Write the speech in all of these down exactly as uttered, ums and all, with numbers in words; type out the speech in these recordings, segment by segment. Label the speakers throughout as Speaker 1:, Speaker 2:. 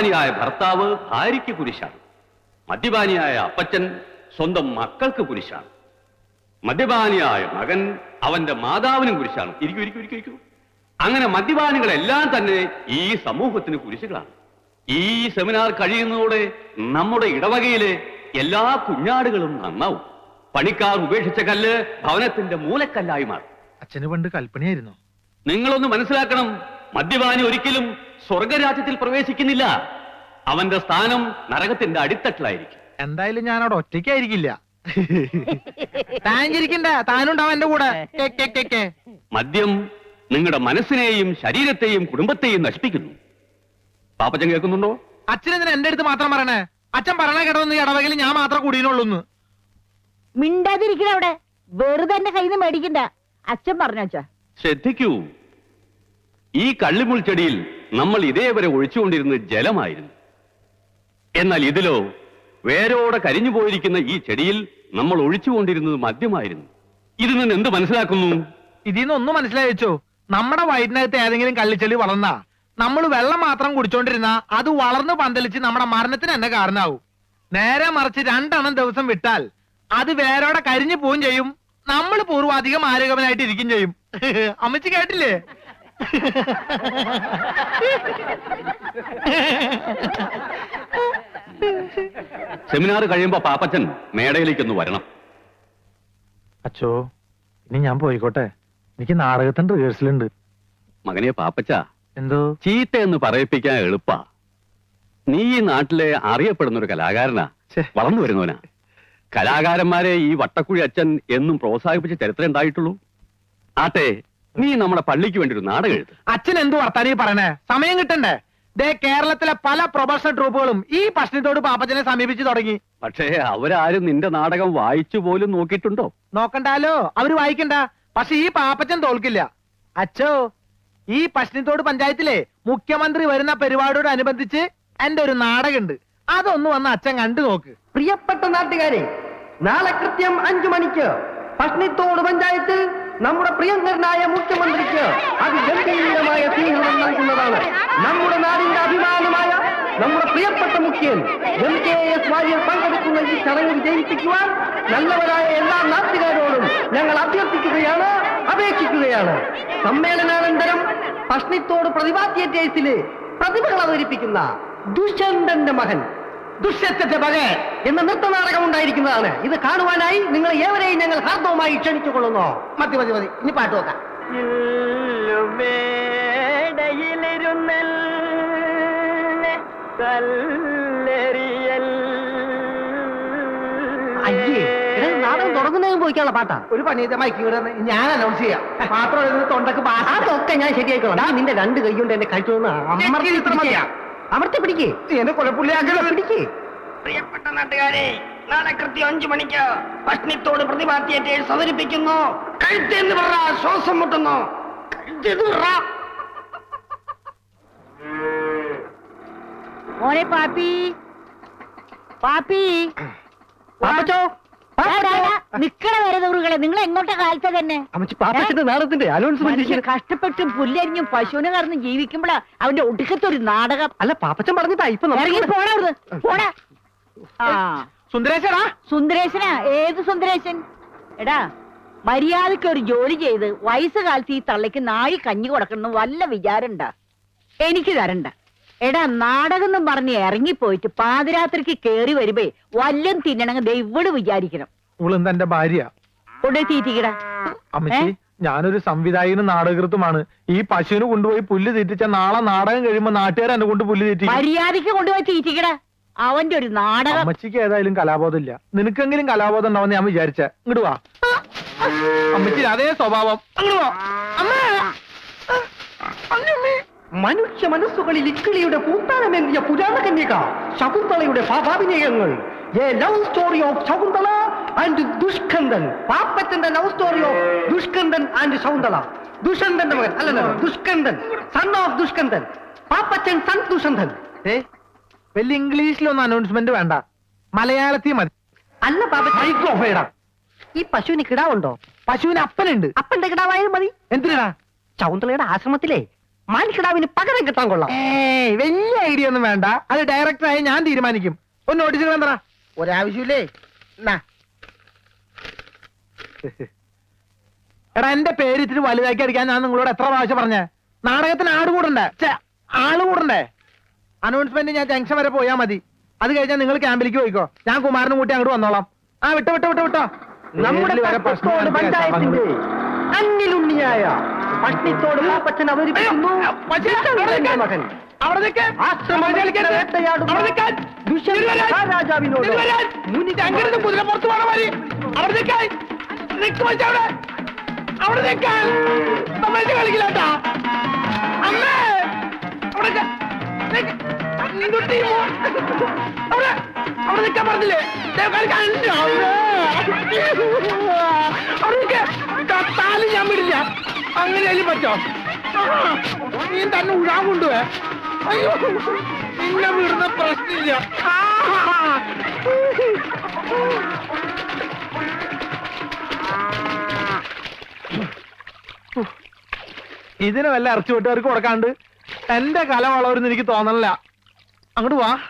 Speaker 1: മദ്യപാനിയായ ഭർത്താവ് ഭാര്യയ്ക്ക് കുരിശാണ്. മദ്യപാനിയായ അപ്പച്ചൻ സ്വന്തം മക്കൾക്ക് കുരിശാണ്. മദ്യപാനിയായ മകൻ അവന്റെ മാതാവിനും കുരിശാണ്. ഇരിക്കൂ ഇരിക്കൂ ഇരിക്കൂ ഇരിക്കൂ. അങ്ങനെ മദ്യപാനികളെല്ലാം തന്നെ ഈ സമൂഹത്തിന് കുരിശുകളാണ്. ഈ സെമിനാർ കഴിയുന്നതോടെ നമ്മുടെ ഇടവകയിലെ എല്ലാ കുഞ്ഞാടുകളും നന്നാവും. പണിക്കാർ ഉപേക്ഷിച്ച കല്ല് ഭവനത്തിന്റെ മൂലക്കല്ലായി മാറും.
Speaker 2: അച്ഛന് പണ്ട് കൽപ്പനയായിരുന്നു.
Speaker 1: നിങ്ങളൊന്ന് മനസ്സിലാക്കണം, മദ്യപാനി ഒരിക്കലും സ്വർഗരാജ്യത്തിൽ പ്രവേശിക്കുന്നില്ല. അവന്റെ സ്ഥാനം നരകത്തിന്റെ അടിത്തട്ടിലായിരിക്കും.
Speaker 2: എന്തായാലും ഞാൻ അവിടെ ഒറ്റയ്ക്കായിരിക്കില്ല. താഞ്ചിരിക്കണ്ട, താനുണ്ടാവും എന്റെ കൂടെ.
Speaker 1: മദ്യം നിങ്ങളുടെ മനസ്സിനെയും ശരീരത്തെയും കുടുംബത്തെയും നശിപ്പിക്കുന്നു. പാപ്പച്ചൻ കേൾക്കുന്നുണ്ടോ?
Speaker 2: അച്ഛനെന്തിനാ എന്റെ അടുത്ത് മാത്രം പറയണേ? അച്ഛൻ പറയണ കേട്ടോന്ന് ഇടവകയിൽ ഞാൻ മാത്രം കൂടിയുള്ളൂന്ന്.
Speaker 3: മിണ്ടാതിരിക്കണ അവിടെ, വെറുതെ എന്റെ കയ്യിൽ നിന്ന് മേടിക്കണ്ട. അച്ഛൻ പറഞ്ഞു അച്ഛാ.
Speaker 1: ശ്രദ്ധിക്കൂ, ഈ കള്ളിമുൾ ചെടിയിൽ നമ്മൾ ഇതേവരെ ഒഴിച്ചുകൊണ്ടിരുന്നത് ജലമായിരുന്നു. എന്നാൽ ഇതിലോ വേരോടെ കരിഞ്ഞു പോയിരിക്കുന്ന ഈ ചെടിയിൽ നമ്മൾ ഒഴിച്ചുകൊണ്ടിരുന്നത് മദ്യമായിരുന്നു. ഇതിൽ നിന്ന് എന്ത് മനസ്സിലാക്കുന്നു?
Speaker 2: ഇതിൽ നിന്ന് ഒന്നും മനസ്സിലായിച്ചോ? നമ്മുടെ വയറ്റിനകത്ത് ഏതെങ്കിലും കള്ളിച്ചെടി വളർന്നാ നമ്മൾ വെള്ളം മാത്രം കുടിച്ചോണ്ടിരുന്ന അത് വളർന്നു പന്തലിച്ച് നമ്മുടെ മരണത്തിന് തന്നെ കാരണമാവും. നേരെ മറിച്ച് രണ്ടെണ്ണം ദിവസം വിട്ടാൽ അത് വേരോടെ കരിഞ്ഞു പോവും ചെയ്യും. നമ്മൾ പൂർവാധികം ആരോഗ്യവനായിട്ട് ഇരിക്കും ചെയ്യും. അമ്മച്ചി കേട്ടില്ലേ?
Speaker 1: സെമിനാർ കഴിയുമ്പോ പാപ്പച്ചൻ മേടയിലേക്കൊന്ന് വരണം.
Speaker 2: അച്ചോ, ഇനി ഞാൻ പോയിക്കോട്ടെ. എനിക്ക് നാടകത്തിന്റെ റിഹേഴ്സൽ ഉണ്ട്.
Speaker 1: മകനെ പാപ്പച്ച,
Speaker 2: എന്തോ
Speaker 1: ചീത്ത എന്ന് പറയിപ്പിക്കാൻ എളുപ്പാ. നീ ഈ നാട്ടിലെ അറിയപ്പെടുന്ന ഒരു കലാകാരനാ, വളർന്നു വരുന്നവനാ. കലാകാരന്മാരെ ഈ വട്ടക്കുഴി അച്ഛൻ എന്നും പ്രോത്സാഹിപ്പിച്ച ചരിത്രം ഉണ്ടായിട്ടുള്ളൂ. ആട്ടെ, നീ നമ്മുടെ പള്ളിക്ക് വേണ്ടി ഒരു നാടകം എഴുത്ത്.
Speaker 2: അച്ഛൻ എന്തു വർത്താനീ പറയണേ? സമയം കിട്ടണ്ടേ? ദേ, കേരളത്തിലെ പല പ്രൊഫഷണൽ ട്രൂപ്പുകളും ഈ പ്രശ്നത്തോട് പാപ്പച്ചനെ സമീപിച്ചു തുടങ്ങി.
Speaker 1: പക്ഷേ അവരാരും നിന്റെ നാടകം വായിച്ചു പോലും നോക്കിയിട്ടുണ്ടോ?
Speaker 2: നോക്കണ്ടാലോ, അവര് വായിക്കണ്ട. പക്ഷെ ഈ പാപ്പച്ചൻ തോൽക്കില്ല. അച്ഛോ, ഈ പശ്ചിമത്തോട് പഞ്ചായത്തിലെ മുഖ്യമന്ത്രി വരുന്ന പരിപാടിയോടനുബന്ധിച്ച് എന്റെ ഒരു നാടകമുണ്ട്. അതൊന്ന് വന്ന് അച്ഛൻ കണ്ടു നോക്ക്.
Speaker 4: പ്രിയപ്പെട്ട നാട്ടുകാരെ, നാളെ കൃത്യം അഞ്ചു മണിക്ക് പശ്ചിമത്തോട് പഞ്ചായത്തിൽ നമ്മുടെ പ്രിയങ്കരനായ മുഖ്യമന്ത്രിക്ക് അതിഗംഭീരമായ സ്വീകരണം നൽകുന്നതാണ്. നമ്മുടെ നാടിന്റെ അഭിമാനമായ നമ്മുടെ പ്രിയപ്പെട്ട മുഖ്യൻ എം കെ എസ് വാര്യർ പങ്കെടുക്കുന്ന ഈ ചടങ്ങിൽ ജയിപ്പിക്കുവാൻ നല്ലവരായ എല്ലാ നാട്ടുകാരോടും ഞങ്ങൾ അഭ്യർത്ഥിക്കുകയാണ്, അപേക്ഷിക്കുകയാണ്. സമ്മേളനാനന്തരം പശ്ചിമത്തോട് പ്രതിഭാ തിയേറ്റേഴ്സിലെ പ്രതിഭകൾ അവതരിപ്പിക്കുന്ന ദുഷ്യന്തന്റെ മകൻ ദുഷ്യത്തിന്റെ മകൻ എന്ന നൃത്തനാടകം ഉണ്ടായിരിക്കുന്നതാണ്. ഇത് കാണുവാനായി നിങ്ങൾ ഏവരെയും ഞങ്ങൾ ഹാർദവുമായി ക്ഷണിച്ചു കൊള്ളുന്നു. മതി മതി മതി, ഇനി പാട്ട് നോക്കാം. അയ്യേ, നാടകം തുടങ്ങുന്നതിന് പോയിക്കാനുള്ള പാട്ടാ. ഒരു പണി മൈക്ക് ഞാൻ അനൗൺസ് ചെയ്യാം. മാത്രം തൊണ്ടക്ക് അതൊക്കെ ഞാൻ ശരിയായിക്കോളാം. നിന്റെ രണ്ട് കൈ കൊണ്ട് എന്റെ കഴിച്ചു അമർത്തി പിടിക്കേ, എന്നെ കൊലപ്പുള്ളിയാക്കല പിടിക്കേ. പ്രിയപ്പെട്ട നാട്ടുകാരെ, നാളെ കൃത്യം അഞ്ചു മണിക്ക് പശ്ചിമത്തോട് പ്രതിഭാ തിയേറ്റേഴ്സ് അവതരിപ്പിക്കുന്നു. കഴുത്തെന്ന് പറ, ശ്വാസം മുട്ടുന്നു. കഴുത്തെന്ന് പറ.
Speaker 3: മോനെ പാപ്പി, പാപ്പി, നിക്കണ വരെ ദൂറുകളെ, നിങ്ങൾ എങ്ങോട്ടാ കാലത്തെ തന്നെ?
Speaker 4: നാടകത്തിന്റെ അനൗൺസ്മെന്റ്.
Speaker 3: കഷ്ടപ്പെട്ട് പുല്ലരിഞ്ഞും പശുവിനെ കറന്ന് ജീവിക്കുമ്പോഴാ അവന്റെ ഒടുക്കത്തൊരു നാടകം.
Speaker 4: അല്ല, പാപ്പച്ചൻ പറഞ്ഞിട്ടാ ഇപ്പൊ
Speaker 3: പോണാ പോടാ. ആ
Speaker 2: സുന്ദരേശനാ?
Speaker 3: സുന്ദരേശനാ? ഏത് സുന്ദരേശൻ? എടാ, മര്യാദക്ക് ഒരു ജോലി ചെയ്ത് വയസ്സുകാലത്ത് ഈ തള്ളയ്ക്ക് നാഴി കഞ്ഞി കൊടുക്കണം വല്ല വിചാരണ്ട. എനിക്ക് തരണ്ട. എടാ, നാടകം എന്നും പറഞ്ഞ് ഇറങ്ങിപ്പോയിട്ട് പാതിരാത്രിക്ക് കേറി വരുമ്പേ വല്ലം തിന്നണമെങ്കിൽ ദൈവട് വിചാരിക്കണം.
Speaker 2: എന്റെ ഭാര്യ
Speaker 3: കൊണ്ടേ തീറ്റിക്കടാ.
Speaker 2: അമ്മച്ചി, ഞാനൊരു സംവിധായകനും നാടകൃത്തുമാണ്. ഈ പശുവിന് കൊണ്ടുപോയി പുല്ല് തീറ്റിച്ച നാളെ നാടകം കഴിയുമ്പോ നാട്ടുകാർ എന്നെ കൊണ്ട് പുല്ല് തീറ്റി.
Speaker 3: മര്യാദക്ക് കൊണ്ടുപോയി തീറ്റിക്കടാ. അവന്റെ ഒരു നാടകം.
Speaker 2: അമ്മച്ചിക്ക് ഏതായാലും കലാബോധം ഇല്ല. നിനക്കെങ്കിലും കലാബോധം ഉണ്ടാവുന്ന ഞാൻ വിചാരിച്ച. ഇങ്ങോട്ട് വാ അമ്മച്ചി, അതേ സ്വഭാവം.
Speaker 4: മനുഷ്യ മനസ്സുകളിൽ ഇക്കിളിയുടെ പൂത്താനമേന്തിയ പുരാണ കന്യക ശകുന്തളയുടെ ഭാവാഭിനയങ്ങൾ. A love story of Shakuntala and Dushkandan. പാപ്പച്ചന്റെ love story of Dushkandan and Shakuntala. ദുഷ്യന്തന്റെ മകൻ അല്ലല്ലോ, Dushkandan, son of Dushkandan. Pappachan son Dushyanthan.
Speaker 2: ഏ വലിയ ഇംഗ്ലീഷിലൊന്നും അനൗൺസ്മെന്റ് വേണ്ട, മലയാളത്തിൽ മതി.
Speaker 4: അല്ല പാപ്പ, ഈ പശുവിന് കിടാവുണ്ടോ?
Speaker 2: പശുവിന് അപ്പനുണ്ട്.
Speaker 4: അപ്പന്റെ കിടാവായാലും മതി.
Speaker 2: എന്തിനാ?
Speaker 4: ശകുന്തളയുടെ ആശ്രമത്തിലെ മാനിക്കടാവിന് പകരം കിട്ടാൻ കൊള്ളാം.
Speaker 2: ഏയ് വലിയ ഐഡിയ ഒന്നും വേണ്ട, അത് ഡയറക്ടറായി ഞാൻ തീരുമാനിക്കും. ഒന്ന് നോട്ടീസുകൾ എന്താ? ഒരാവശ്യമില്ലേ? എന്നാ. എടാ എന്റെ പേര് ഇത്തിരി വലുതാക്കി അടിക്കാൻ ഞാൻ നിങ്ങളോട് എത്ര പ്രാവശ്യം പറഞ്ഞേ? നാടകത്തിന് ആട് കൂടണ്ടേ? ഛെ, ആള് കൂടണ്ടേ? അനൗൺസ്മെന്റ് ഞാൻ ജംഗ്ഷൻ വരെ പോയാ മതി. അത് കഴിഞ്ഞാൽ നിങ്ങൾ ക്യാമ്പിലേക്ക് പോയിക്കോ, ഞാൻ കുമാരനും കൂട്ടി അങ്ങോട്ട് വന്നോളാം. ആ വിട്ടോ വിട്ടോ വിട്ടോ വിട്ടോ.
Speaker 4: നമ്മുടെ
Speaker 2: വരെ
Speaker 4: പട്ടത്തോട് പഞ്ചായത്തിന്റെ അന്നിലുണ്ണിയായ പട്ടിത്തോട് പാപ്പച്ചൻ അവതരിപ്പിക്കുന്നു ദുഷ്യന്തന്റെ മകൻ
Speaker 2: അവിടെ നിൽക്ക്.
Speaker 4: ആശ്രമത്തിൽ വേട്ടയാടുന്ന
Speaker 2: അവിടെ നിൽക്കാൻ.
Speaker 4: ദുഷ്യന്ത മഹാരാജാവിനോട് മുനി
Speaker 2: അങ്ങനത്തെ കുതിര പുറത്ത് പോണ മാതിരി അവിടെ നിൽക്കാൻ. നിൽക്ക് മച്ചാ അവിടെ. അവിടെ നിൽക്കാൻ. തമാശ കളിക്കില്ലാട്ടാ. അമ്മേ അവിടെ നിൽക്ക്. നിൽക്ക്. നിന്റെ ടീം അവിടെ അവിടെ നിൽക്കാൻ പറഞ്ഞില്ലേ? ദേ കളിക്കാൻ. അമ്മേ. അവിടെ നിൽക്ക്. കത്താലും ഞാൻ വിടില്ല. അങ്ങനെയാലും പറ്റോ? നീ തന്നെ ഉഴാൻ കൊണ്ടുപോയെ. അയ്യോ നിന്നെ വിടുന്ന പ്രശ്നമില്ല. ഇതിന് വല്ല ഇറച്ചി വെട്ടുകാർക്ക് കൊടുക്കാണ്ട് എന്റെ കല വളവരുന്ന് എനിക്ക് തോന്നണില്ല. അങ്ങോട്ട് വാ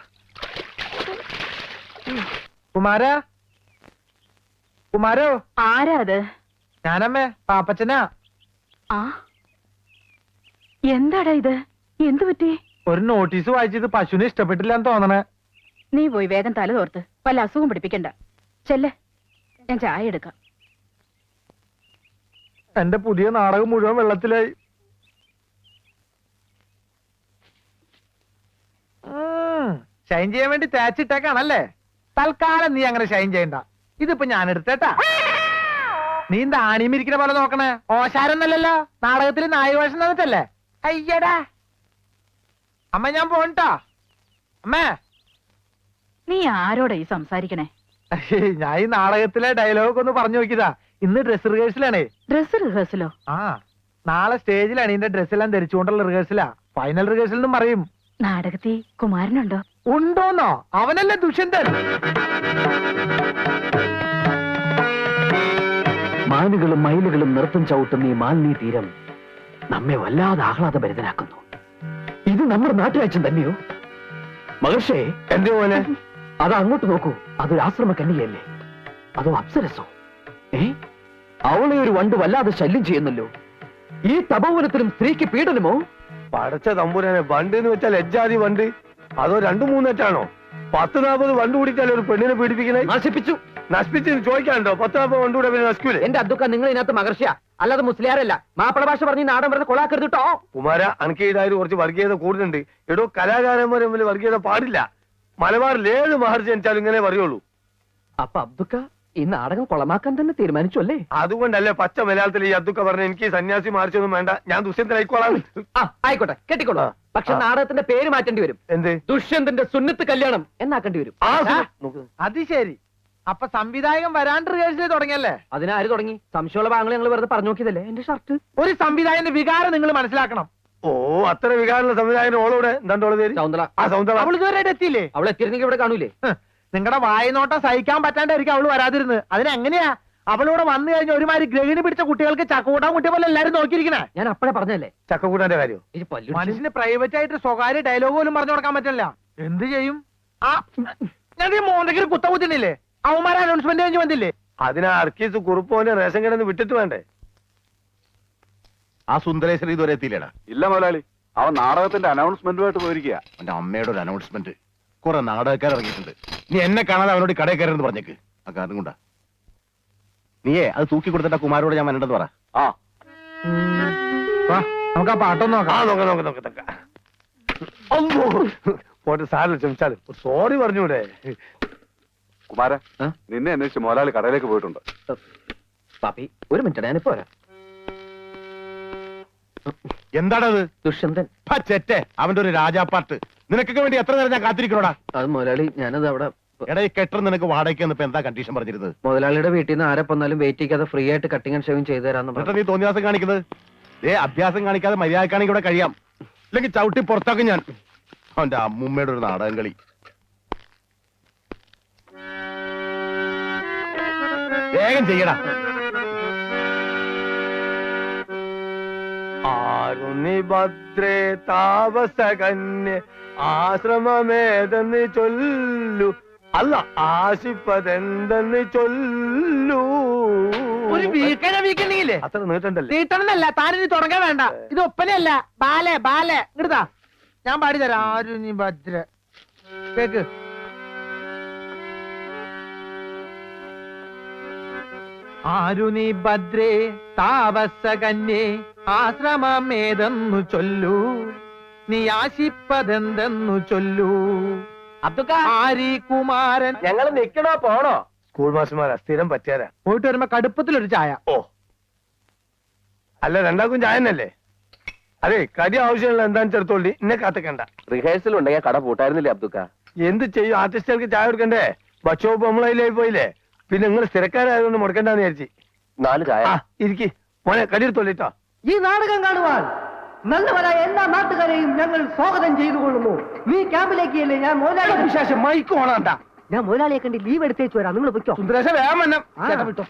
Speaker 2: കുമാര. കുമാരോ.
Speaker 3: ആരാ അത്?
Speaker 2: ഞാനമ്മേ പാപ്പച്ചനാ.
Speaker 3: ആ എന്താടാ ഇത്? എന്തു പറ്റി?
Speaker 2: ഒരു നോട്ടീസ് വായിച്ചത് പശുവിനെ ഇഷ്ടപ്പെട്ടില്ല എന്ന് തോന്നണേ.
Speaker 3: നീ പോയി വേഗം തല തോർത്ത് വല്ല അസുഖം പിടിപ്പിക്കണ്ട. ചെല്ലെ, ഞാൻ ചായ എടുക്കാം.
Speaker 2: എന്റെ പുതിയ നാടകം മുഴുവൻ വെള്ളത്തിലായി. ഷൈൻ ചെയ്യാൻ വേണ്ടി തേച്ചിട്ടേക്കാണല്ലേ? തൽക്കാലം നീ അങ്ങനെ ഷൈൻ ചെയ്യണ്ട. ഇതിപ്പോ ഞാൻ എടുത്തേട്ടാ. നീ എന്താ ആണിമിരിക്കുന്ന പോലെ നോക്കണേ? ഓശാരൊന്നല്ലല്ലോ, നാടകത്തിൽ നായവേഷം തന്നിട്ടല്ലേ? അയ്യടാ അമ്മ ഞാൻ പോണ്ടാ. അമ്മേ
Speaker 3: നീ ആരോടാ ഈ സംസാരിക്കണേ?
Speaker 2: ഞാൻ ഈ നാടകത്തിലെ ഡയലോഗ് ഒന്ന് പറഞ്ഞു നോക്കിയതാ. ഇന്ന് ഡ്രസ് റിഹേഴ്സലാണേ.
Speaker 3: ഡ്രസ് റിഹേഴ്സലോ?
Speaker 2: ആ നാളെ സ്റ്റേജിലാണ് ഇതിന്റെ ഡ്രസ്സെല്ലാം ധരിച്ചുകൊണ്ടുള്ള റിഹേഴ്സലാ. ഫൈനൽ റിഹേഴ്സൽ എന്നും പറയും.
Speaker 3: നാടകത്തിൽ കുമാരനുണ്ടോ?
Speaker 2: ഉണ്ടോന്നോ? അവനല്ലേ ദുഷ്യന്തൻ.
Speaker 5: മാനുകളും മയിലുകളും നൃത്തം ചവിട്ടുന്ന ഈ മാലിന്യ തീരം നമ്മെ വല്ലാതെ ആഹ്ലാദഭരിതനാക്കുന്നു. ഇത് നമ്മുടെ നാട്ടുരാജ്യം തന്നെയോ? മഹർഷേ,
Speaker 2: എന്റെ പോലെ
Speaker 5: അത് അങ്ങോട്ട് നോക്കൂ. അതൊരു ആശ്രമ കന്യകയല്ലേ? അതോ അപ്സരസോ? ഏ അവളെ ഒരു വണ്ട് വല്ലാതെ ശല്യം ചെയ്യുന്നല്ലോ. ഈ തപോവനത്തിലും സ്ത്രീക്ക് പീഡനമോ?
Speaker 6: പടച്ച തമ്പുരാനെ, വണ്ട് എന്ന് വെച്ചാൽ എജ്ജാതി വണ്ട്. അതോ രണ്ടു മൂന്നെറ്റാണോ? പത്ത് നാൽപ്പത് വണ്ട് കൂടിയിട്ടല്ലേ ഒരു പെണ്ണിനെ പീഡിപ്പിക്കണേ?
Speaker 5: നശിപ്പിച്ചു.
Speaker 6: നശിപ്പിച്ച് ചോദിക്കാനുണ്ടോ? പത്ത് നാൽപ്പത് വണ്ട് കൂടെ പിന്നെ നശിക്കൂലേ?
Speaker 5: എന്റെ അദ്ദുക്ക, നിങ്ങൾ ഇതിനകത്ത് മഹർഷിയ അല്ലാതെ മുസ്ലിയാരല്ല. മാപ്പിള ഭാഷ പറഞ്ഞ് നാടൻ പറഞ്ഞ് കൊളാക്കരുത് കേട്ടോ.
Speaker 6: കുമാര, അനക്ക് ഈടായാലും കുറച്ച് വർഗീയത കൂടുതലുണ്ട്. എടോ, കലാകാരന്മാരെ തമ്മിൽ വർഗീയത പാടില്ല. മലബാറിൽ ഏത് മഹർജി ജനിച്ചാലും ഇങ്ങനെ പറയുള്ളൂ.
Speaker 5: അപ്പൊ അബ്ദുക്ക ഈ നാടകം കൊളമാക്കാൻ തന്നെ തീരുമാനിച്ചു അല്ലേ?
Speaker 6: അതുകൊണ്ടല്ലേ പച്ച മലയാളത്തിൽ ഈ അതൊക്കെ പറഞ്ഞ എനിക്ക് സന്യാസി മാർച്ചൊന്നും വേണ്ട, ഞാൻ ദുഷ്യന്തനായിക്കോളാം.
Speaker 5: ആ ആയിക്കോട്ടെ, കെട്ടിക്കോളൂ. പക്ഷെ നാടകത്തിന്റെ പേര് മാറ്റേണ്ടി വരും.
Speaker 6: എന്ത്?
Speaker 5: ദുഷ്യന്തന്റെ സുന്നത്ത് കല്യാണം എന്നാക്കേണ്ടി വരും.
Speaker 6: ആ
Speaker 2: ആ,
Speaker 6: നോക്ക്.
Speaker 2: അത് ശരി. അപ്പൊ സംവിധായകൻ വരാണ്ട് റിഹേഴ്സൽ തുടങ്ങിയല്ലേ?
Speaker 5: അതിനാര് തുടങ്ങി? സംശയമുള്ള ഭാഗങ്ങൾ ഞങ്ങൾ വെറുതെ പറഞ്ഞു നോക്കിയതല്ലേ. എന്റെ ഷർട്ട്
Speaker 2: ഒരു സംവിധായകന്റെ വികാരം നിങ്ങൾ മനസ്സിലാക്കണം.
Speaker 6: ഓ, അത്ര വികാരമുള്ള സംവിധായകൻ ഓളോടെ എന്താണ്ട് ഓളെ പേര്?
Speaker 5: സൗന്ദര.
Speaker 6: ആ സൗന്ദര.
Speaker 2: അവൾ ഇതുവരെ എത്തിയില്ലേ?
Speaker 5: അവൾ എത്തിയിരുന്നെങ്കിൽ ഇവിടെ കാണൂലേ?
Speaker 2: നിങ്ങളുടെ വായനോട്ടം സഹിക്കാൻ പറ്റാണ്ടായിരിക്കും അവള് വരാതിരുന്നത്. അതിനെങ്ങനെയാ അവളിവിടെ വന്നു കഴിഞ്ഞ ഒരുമാതിരി ഗ്രഹിണി പിടിച്ച കുട്ടികൾക്ക് ചക്കൂട്ടാൻ കുട്ടിയെ പോലെ എല്ലാരും നോക്കിയിരിക്കണേ.
Speaker 5: ഞാൻ അപ്പഴേ പറഞ്ഞല്ലേ
Speaker 6: ചക്കക്കൂട്ടാന്റെ കാര്യം.
Speaker 5: ഈ പല്ലു
Speaker 2: മനുഷ്യന് പ്രൈവറ്റ് ആയിട്ട് സ്വകാര്യ ഡയലോഗ് പോലും പറഞ്ഞു കൊടുക്കാൻ പറ്റില്ല. എന്ത് ചെയ്യും? ആ ഞാൻ ഈ മോന്തയ്ക്ക് കുത്ത കുത്തിനില്ലേ? അവന്മാരെ അനൗൺസ്മെന്റ് കഴിഞ്ഞ് വന്നില്ലേ?
Speaker 6: അതിനാ അർക്കീസ് കുറുപ്പോന്റെ റേഷൻ കടന്ന് വിട്ടിട്ട് വേണ്ടേ?
Speaker 7: ആ സുന്ദരേശ്വരൻ ഇതുവരെ എത്തിയില്ലേടാ?
Speaker 8: ഇല്ല മുതലാളി, അവൻ നാടകത്തിന്റെ അനൗൺസ്മെന്റുമായിട്ട് പോയിരിക്കുക.
Speaker 7: അവന്റെ അമ്മയുടെ ഒരു അനൗൺസ്മെന്റ്. കുറെ നാടകക്കാർ ഇറങ്ങിയിട്ടുണ്ട്. നീ എന്നെ കാണാതെ അവനോട് കടയിൽ കയറെന്ന് പറഞ്ഞേക്ക്. ആ കാരണം കൊണ്ടാ. നീയേ അത് തൂക്കി കൊടുത്തിട്ട് കുമാരോട് ഞാൻ വരണ്ടെന്ന് പറ.
Speaker 8: ആ
Speaker 2: വാ, നമുക്ക് ആ പാട്ടൊന്നും
Speaker 6: ആ
Speaker 2: നോക്കാം.
Speaker 6: നോക്ക നോക്ക നോക്ക നോക്ക. അമ്മോ, പോട്ടെ, സാറിന് ക്ഷമിച്ചാലും സോറി പറഞ്ഞൂടെ?
Speaker 8: കുമാര,
Speaker 5: ആ?
Speaker 8: നിന്നെ അന്വേഷിച്ച് മുതലാളി കടയിലേക്ക് പോയിട്ടുണ്ട്.
Speaker 5: പാപ്പി ഒരു മിനിറ്റ്, ഞാനിപ്പോ വരാം.
Speaker 7: എന്താണത്?
Speaker 5: ദുഷ്യന്തൻ.
Speaker 7: ചെറ്റെ അവന്റെ ഒരു രാജാപ്പാട്ട്. നിനക്കൊക്കെ വേണ്ടി എത്ര നേരം ഞാൻ കാത്തിരിക്കണോടാ?
Speaker 5: അത് മുതലാളി, ഞാനത് അവിടെ
Speaker 7: എടാ, ഈ കെട്ടർ നിനക്ക് വാടകയ്ക്ക് ഇപ്പൊ എന്താ കണ്ടീഷൻ പറഞ്ഞിരുന്നത്?
Speaker 5: മുതലാളിയുടെ വീട്ടിൽ നിന്ന് ആരെ വന്നാലും വെയിറ്റ് ചെയ്യാതെ ഫ്രീ ആയിട്ട് കട്ടിങ് ആൻഡ് ഷേവിങ് ചെയ്തു തരാന്ന്
Speaker 7: എന്നിട്ട്
Speaker 5: പറഞ്ഞു.
Speaker 7: നീ തോന്നിയാസം കാണിക്കുന്നത്? ഏ അഭ്യാസം കാണിക്കാതെ മര്യാദക്കാണെങ്കിൽ ഇവിടെ കഴിയാം. ഇല്ലെങ്കിൽ ചവിട്ടി പുറത്താക്കും ഞാൻ. അവന്റെ അമ്മൂമ്മയുടെ ഒരു നാടകം കളി. വേഗം ചെയ്യടാ.
Speaker 6: ആരുണി ഭദ്രേ താപസകന്യ ആശ്രമമേതെന്ന് ചൊല്ലു, അല്ല ആശിപ്പതെന്തെന്ന് ചൊല്ലു.
Speaker 2: ഒരു വീക്കണ വീക്കണ്ടെങ്കിലേ
Speaker 6: അത്ര നീട്ടണ്ടല്ലേ?
Speaker 2: നീട്ടണമെന്നല്ല, താനിനി തുടങ്ങാൻ വേണ്ട. ഇത് ഒപ്പനയല്ല, ബാലെ ബാലെ ഇങ്ങടുതാ, ഞാൻ പാടിത്തരാം. ആരും നീ ഭദ്ര കേക്ക്. ആരുനി ഭദ്രേ താപസകന്യേ ആശ്രമമേതെന്നു ചൊല്ലൂ, നീ ആശിപ്പതെന്തെന്നു ചൊല്ലൂ. ആരി കുമാരൻ.
Speaker 6: ഞങ്ങൾ നിക്കണോ പോണോ? സ്കൂൾ മാസ്റ്റർമാരാ, സ്ഥിരം പറ്റിയാരാ.
Speaker 2: പോയിട്ട് വരുമ്പോ കടുപ്പത്തിലൊരു ചായ.
Speaker 6: ഓ അല്ല, രണ്ടാക്കും ചായ തന്നെയല്ലേ? അതെ, കടി ആവശ്യമുള്ള എന്താന്ന് ചെറുത്തോളി, എന്നെ കാത്തിക്കണ്ട.
Speaker 5: റിഹേഴ്സൽ ഉണ്ടെങ്കിൽ കട പൂട്ടായിരുന്നില്ലേ അബ്ദുക്ക?
Speaker 6: എന്ത് ചെയ്യും, ആർട്ടിസ്റ്റുകൾക്ക് ചായ കൊടുക്കണ്ടേ? ബക്ഷോപ്പ് നമ്മളതിലായി പോയില്ലേ, പിന്നെ നിങ്ങൾ സ്ഥിരക്കാരായതുകൊണ്ട് മുടക്കണ്ടെന്ന് വിചാരിച്ചു.
Speaker 5: നാല് ചായ.
Speaker 6: ആ ഇരിക്കി മോനെ, കടി എടുത്തോളിട്ടോ.
Speaker 4: ഈ നാടകം കാണുവാൻ നല്ലവരായ എല്ലാ നാട്ടുകാരെയും ഞങ്ങൾ സ്വാഗതം ചെയ്തു കൊള്ളുന്നു. നീ ക്യാമ്പിലേക്ക് അല്ലേ? ഞാൻ മുതലാളി
Speaker 6: വിശേഷം മൈക്ക് ഓണാണ്ട.
Speaker 4: ഞാൻ മുതലാളിയെ കണ്ട് ലീവ് എടുത്തേച്ചു വരാം, നിങ്ങൾ പൊയ്ക്കോ.
Speaker 6: സുന്ദരേശ വേഗം വന്നം.
Speaker 4: ആ.
Speaker 6: ചേട്ടാ വിട്ടോ.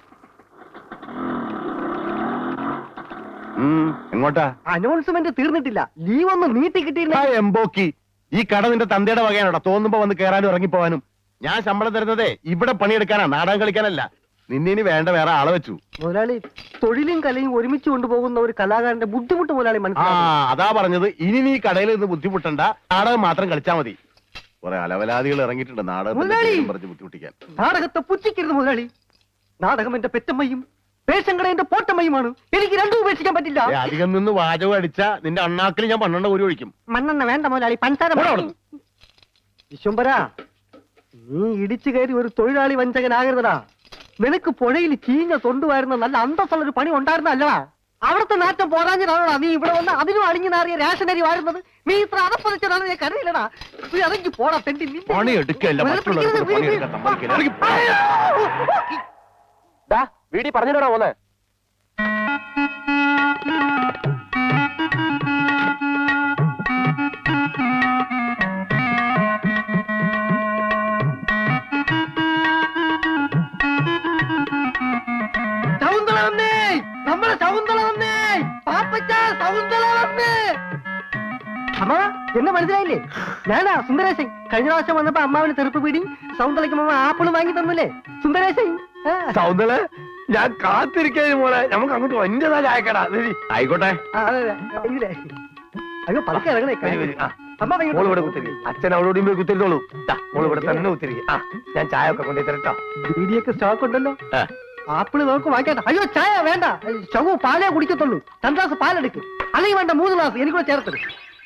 Speaker 7: ഉം, എങ്ങോട്ടാ?
Speaker 4: അനൗൺസ്മെന്റ് തീർന്നിട്ടില്ല, ലീവ് ഒന്ന് നീട്ടി കിട്ടിയില്ല.
Speaker 7: ആ എംബോക്കി, ഈ കട നിന്റെ തന്തയുടെ വകയാണോടാ? തോന്നുമ്പോ വന്ന് കയറാനും ഇറങ്ങിപ്പോവാനും. ഞാൻ ശമ്പളം തരുന്നതേ ഇവിടെ പണിയെടുക്കാനാ, നാടകം കളിക്കാനല്ല. നിന്നെ ഇനി വേണ്ട വേറെ ആളെ വെച്ചു.
Speaker 4: മുതലാളി, തൊഴിലും കലയും ഒരുമിച്ച് കൊണ്ടുപോകുന്ന ഒരു കലാകാരന്റെ ബുദ്ധിമുട്ട് മുതലാളി
Speaker 7: ആ
Speaker 4: മനസ്സിലാക്കി.
Speaker 7: അതാ പറഞ്ഞത്, ഇനി നീ കടയിൽ നിന്ന് ബുദ്ധിമുട്ടണ്ട, നാടകം മാത്രം കളിച്ചാ മതി. കുറെ അലവലാദികൾ ഇറങ്ങിയിട്ടുണ്ട് നാടകത്തിന്റെ
Speaker 4: മുതലാളി!
Speaker 7: പേരും പറഞ്ഞ് ബുദ്ധിമുട്ടിക്കാൻ.
Speaker 4: നാടകത്തെ പുച്ഛിക്കരുത് മുതലാളി. നാടകം എന്റെ പെറ്റമ്മയും പേശങ്കട എന്റെ പോട്ടമ്മയുമാണ്. എനിക്ക് രണ്ടും ഉപേക്ഷിക്കാൻ പറ്റില്ല.
Speaker 7: ഏ, അധികം നിന്ന് വാചകം അടിച്ച നിന്റെ അണ്ണാക്കിൽ ഞാൻ പന്ത്രണ്ട് ഒരു ഒഴിക്കും.
Speaker 4: മണ്ണെണ്ണ വേണ്ട മുതലാളി, പഞ്ചാര വിശ്വംബര, നീ ഇടിച്ചു കയറി ഒരു തൊഴിലാളി വഞ്ചകനാകരുതടാ. നിനക്ക് പുഴയിൽ ചീഞ്ഞ തൊണ്ടുവായിരുന്ന നല്ല അന്തസ്സുള്ള ഒരു പണി ഉണ്ടായിരുന്നല്ലടാ. അവിടുത്തെ നാറ്റം പോരാഞ്ഞിട്ടാണോടാ നീ ഇവിടെ വന്ന് അതിനും അളിഞ്ഞു നാറിയ റേഷനരി വാഴുന്നത്? നീ ഇത്ര അതപ്പതിച്ചതാണ് ഞാൻ കരുതില്ലടാ. നീ ഇറങ്ങി പോടാ തെണ്ടി. നിന്നെ-
Speaker 7: പണി എടുക്കല്ല, മറ്റുള്ളവർക്ക് പണിയെടുക്കാൻ സമ്മതിക്കില്ല. ഇറങ്ങി പോ.
Speaker 5: വീടി പറഞ്ഞിട്ടാ പോന്നെ?
Speaker 4: ശകുന്തള വന്നേ, നമ്മളെ ശകുന്തള വന്നേ, പാപ്പച്ച ശകുന്തള വന്നേ. അമ്മ എന്നെ മനസ്സിലായില്ലേ? ഞാനാ സുന്ദരേശൻ. കഴിഞ്ഞ പ്രാവശ്യം വന്നപ്പോ അമ്മാവിന് തെറുപ്പ് പീടി, സൗന്ദര്യക്ക് അമ്മ ആപ്പിള് വാങ്ങി തന്നില്ലേ സുന്ദരേശൻ? ആ.
Speaker 6: സൗന്ദര്യ, ഞാൻ കാത്തിരിക്കാൻ മോളെ, നമുക്ക് അങ്ങോട്ട് വന്റേതാ ചായക്കടാ.
Speaker 7: ആയിക്കോട്ടെ.
Speaker 4: ആ, അതെ, അതെ. ഇതിലേ. അയ്യോ പതുക്കെ ഇറങ്ങണേ.
Speaker 6: വരി, വരി. ആ.
Speaker 4: അമ്മ വൈകിട്ട്
Speaker 6: മോള് ഇവിടെ കുത്തിരിക്കും, അച്ഛൻ അവളോടും പോയി കുത്തിരിത്തോളൂ. മോള് ഇവിടെ തന്നെ കുത്തിരിക്കും. ആ ഞാൻ ചായ ഒക്കെ കൊണ്ടു തരട്ടോ.
Speaker 4: ബീഡിയൊക്കെ സ്റ്റോക്ക് ഉണ്ടല്ലോ.
Speaker 7: ആ.
Speaker 4: ആപ്പിള് നമുക്ക് വാങ്ങിക്കട്ടെ. അയ്യോ ചായ വേണ്ട, ശവു പാലേ കുടിക്കത്തുള്ളൂ. രണ്ട് ഗ്ലാസ് പാലെടുക്ക്, അല്ലെങ്കിൽ വേണ്ട മൂന്ന് ഗ്ലാസ് എനിക്കൂടെ ചേർത്തത്.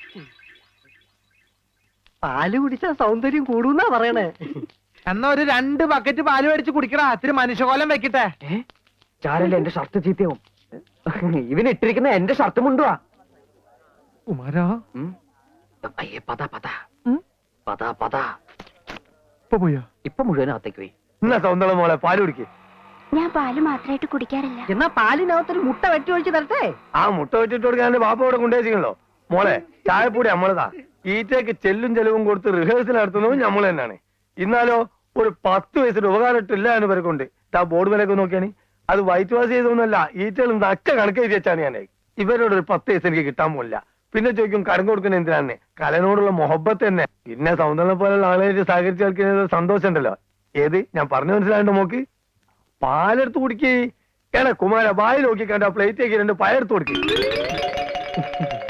Speaker 4: പാല് കുടിച്ചാ സൗന്ദര്യം കൂടുന്നാ പറയണേ.
Speaker 2: എന്നാ ഒരു രണ്ട് ബക്കറ്റ് പാല് മേടിച്ച് കുടിക്കടാ, ഇത്തിരി മനുഷ്യകോലം വെക്കട്ടെ.
Speaker 5: ചാരല്ലേ എന്റെ ഷർട്ട് ചീത്തയാവും. ഇവന് ഇട്ടിരിക്കുന്ന എന്റെ ഷർട്ട് മുണ്ടുവാ.
Speaker 2: കുമാരാ
Speaker 5: അയ്യേ പതാ പതാ
Speaker 2: ഉം?
Speaker 5: പതാ പതാ.
Speaker 2: ഇപ്പൊ പോയോ?
Speaker 5: ഇപ്പൊ മുഴുവനകത്തേക്ക് പോയി.
Speaker 6: എന്നാ സൗന്ദര്യ മോളെ പാല് കുടിക്ക്.
Speaker 9: ഞാൻ പാല് മാത്രമായിട്ട് കുടിക്കാറില്ല.
Speaker 4: എന്നാ പാലിനകത്തൊരു മുട്ട വെട്ടി ഒഴിച്ച് തരട്ടെ?
Speaker 6: ആ മുട്ട വെച്ചിട്ട് കൊടുക്കാൻ ബാപ്പ ഇവിടെ കൊണ്ടുവച്ചിട്ടുണ്ടല്ലോ. മോളെ ചായപ്പൊടി നമ്മളതാ. ഈറ്റയ്ക്ക് ചെല്ലും ചെലവും കൊടുത്ത് റിഹേഴ്സൽ നടത്തുന്നതും നമ്മൾ തന്നെയാണ്. ഇന്നാലോ ഒരു പത്ത് വയസ്സിന്റെ ഉപകാരമില്ല എന്ന് പേർക്കുണ്ട്. ആ ബോർഡ് വിലയൊക്കെ നോക്കിയാണ്, അത് വൈറ്റ് വാഷ് ചെയ്തൊന്നുമല്ല, ഈറ്റകൾ നക്ക കണക്ക് എഴുതി വെച്ചാണ് ഞാൻ. ഇവരോട് ഒരു പത്ത് വയസ്സ് എനിക്ക് കിട്ടാൻ പോലില്ല. പിന്നെ ചോദിക്കും കടം കൊടുക്കുന്ന എന്തിനാണ്? കലനോടുള്ള മൊഹബത്ത് തന്നെ. പിന്നെ സൗന്ദര്യം പോലുള്ള ആളുകളായിട്ട് സഹകരിച്ച് കളിക്കുന്നത് സന്തോഷം ഉണ്ടല്ലോ. ഏത് ഞാൻ പറഞ്ഞു മനസ്സിലായിട്ട് നോക്ക്. പാലെടുത്ത് കുടിക്കേ. ഏടാ കുമാര വായി നോക്കി കണ്ട പ്ലേറ്റേക്ക് രണ്ട് പയർത്ത് കൊടുക്കേ.